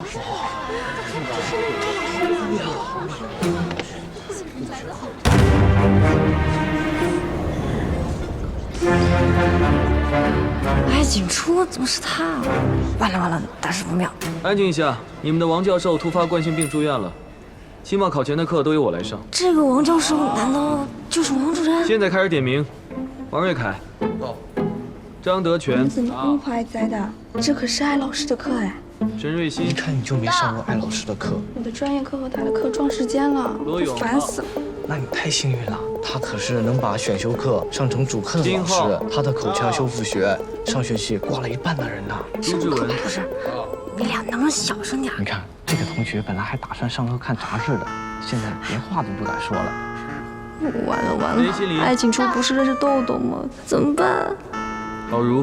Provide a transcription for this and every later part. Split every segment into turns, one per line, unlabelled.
哎，景初怎么是他啊？完了完了，大事不妙！
安静一下，你们的王教授突发冠心病住院了，期末考前的课都由我来上。
这个王教授难道就是王主任？
现在开始点名：王瑞凯，到；张德全，
你怎么那么还在的？这可是艾老师的课哎。
沈瑞熙，
一看你就没上过艾老师的课。
我的专业课和他的课撞时间了，
罗勇，
烦死了。
那你太幸运了，他可是能把选修课上成主课的老
金浩
师。他的口腔修复学上学期挂了一半的人呢。
朱志文，
不是，你俩能不能小声点？
你看这个同学本来还打算上课看杂志的，现在连话都不敢说了。
完了完
雷心凌，
艾景初不是认识豆豆吗？怎么办？
郝如，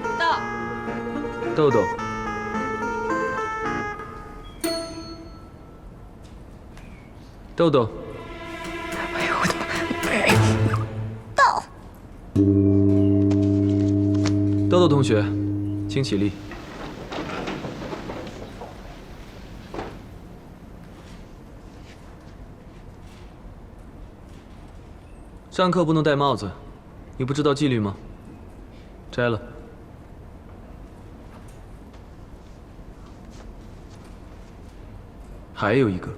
豆豆，豆豆，
哎呦我的妈！
豆豆同学，请起立。上课不能戴帽子，你不知道纪律吗？摘了。还有一个。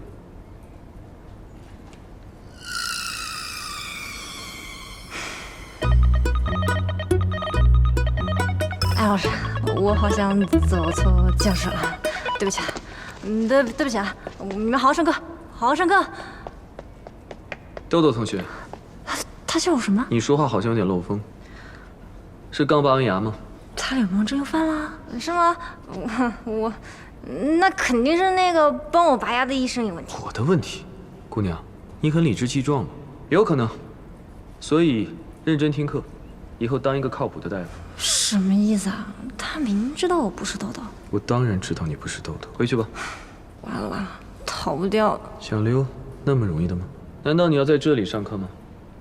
艾老师，我好像走错教室了，对不起啊，对不起啊，你们好好上课，好好上课。
豆豆同学，
他叫我什么？
你说话好像有点漏风，是刚拔完牙吗？
他脸盲症又犯了？是吗？我，那肯定是那个帮我拔牙的医生有问题。
我的问题，姑娘，你很理直气壮吗？有可能，所以认真听课，以后当一个靠谱的大夫。
什么意思啊？他明明知道我不是豆豆。
我当然知道你不是豆豆，回去吧。
完了完了，逃不掉了。
想溜，那么容易的吗？难道你要在这里上课吗？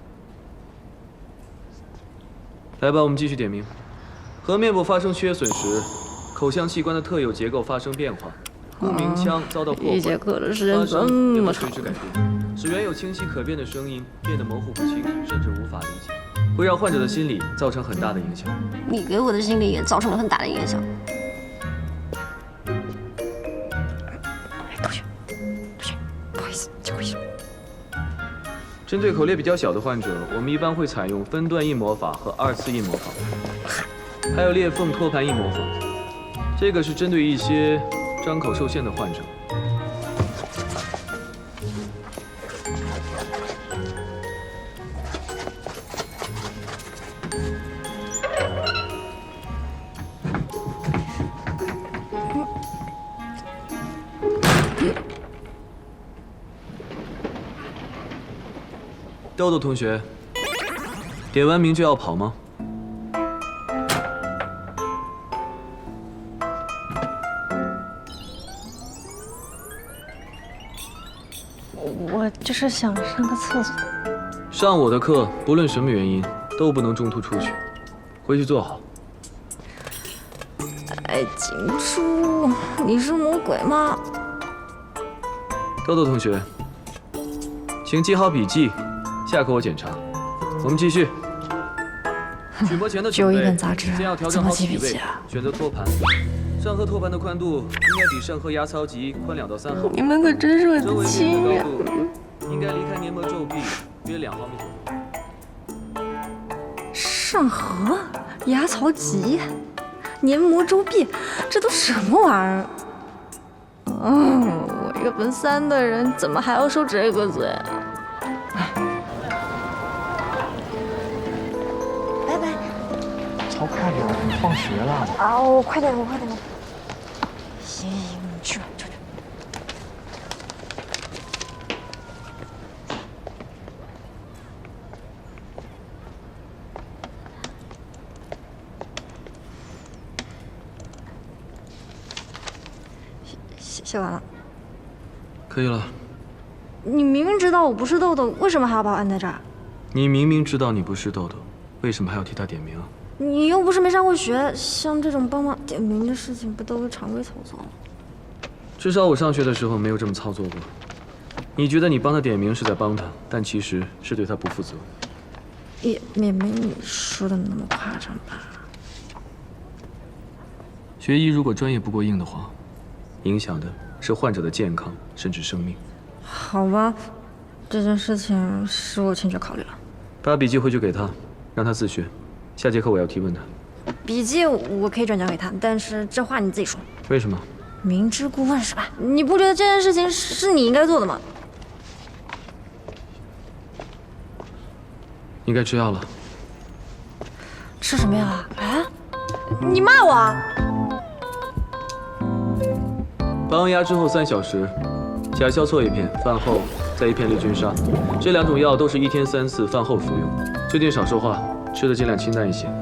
来吧，我们继续点名。颌面部发生缺损时，口腔器官的特有结构发生变化，故鸣腔遭到破坏，
一节课的时间这么长，
随之改变，使原有清晰可辨的声音变得模糊不清，甚至无法理解，会让患者的心理造成很大的影响。
你给我的心理也造成了很大的影响。同学，不好意思，借过一下。
针对口裂比较小的患者，我们一般会采用分段印模法和2次印模法，还有裂缝托盘印模法。这个是针对一些张口受限的患者。豆豆同学，点完名就要跑吗？
我就是想上个厕所。
上我的课，不论什么原因，都不能中途出去。回去坐好。
哎，景初，你是魔鬼吗？
豆豆同学，请记好笔记，下课我检查。我们继续。曲模前的
就
准备，
一本杂志，
先要调整
怎么
好体位
记笔记，啊？
选择托盘。上颌托盘的宽度应该比上颌牙槽棘宽2到3毫米。
你们可真是
周围
很亲呀！
面的高度应该离开黏膜皱壁约2毫米左右。
上颌、牙槽棘、黏膜周壁，这都什么玩意儿？我一个本3的人，怎么还要受这个罪啊？拜拜。
操，快点，放学了。
啊，我快点。行，你去吧，去。写完了。
可以了。
你明明知道我不是豆豆，为什么还要把我按在这儿？
你明明知道你不是豆豆，为什么还要替他点名啊？
你又不是没上过学，像这种帮忙点名的事情，不都是常规操作吗？
至少我上学的时候没有这么操作过。你觉得你帮他点名是在帮他，但其实是对他不负责。
也没你说的那么夸张吧？
学医如果专业不过硬的话，影响的是患者的健康甚至生命。
好吧，这件事情是我欠缺考虑了。
把笔记回去给他，让他自学。下节课我要提问他。
笔记我可以转交给他，但是这话你自己说。
为什么？
明知故问是吧？你不觉得这件事情是你应该做的吗？
你该吃药了。
吃什么药啊？啊？你骂我啊？
拔完牙之后3小时，甲硝唑1片，饭后再1片利菌沙。这2种药都是1天3次，饭后服用。最近少说话，吃的尽量清淡一些。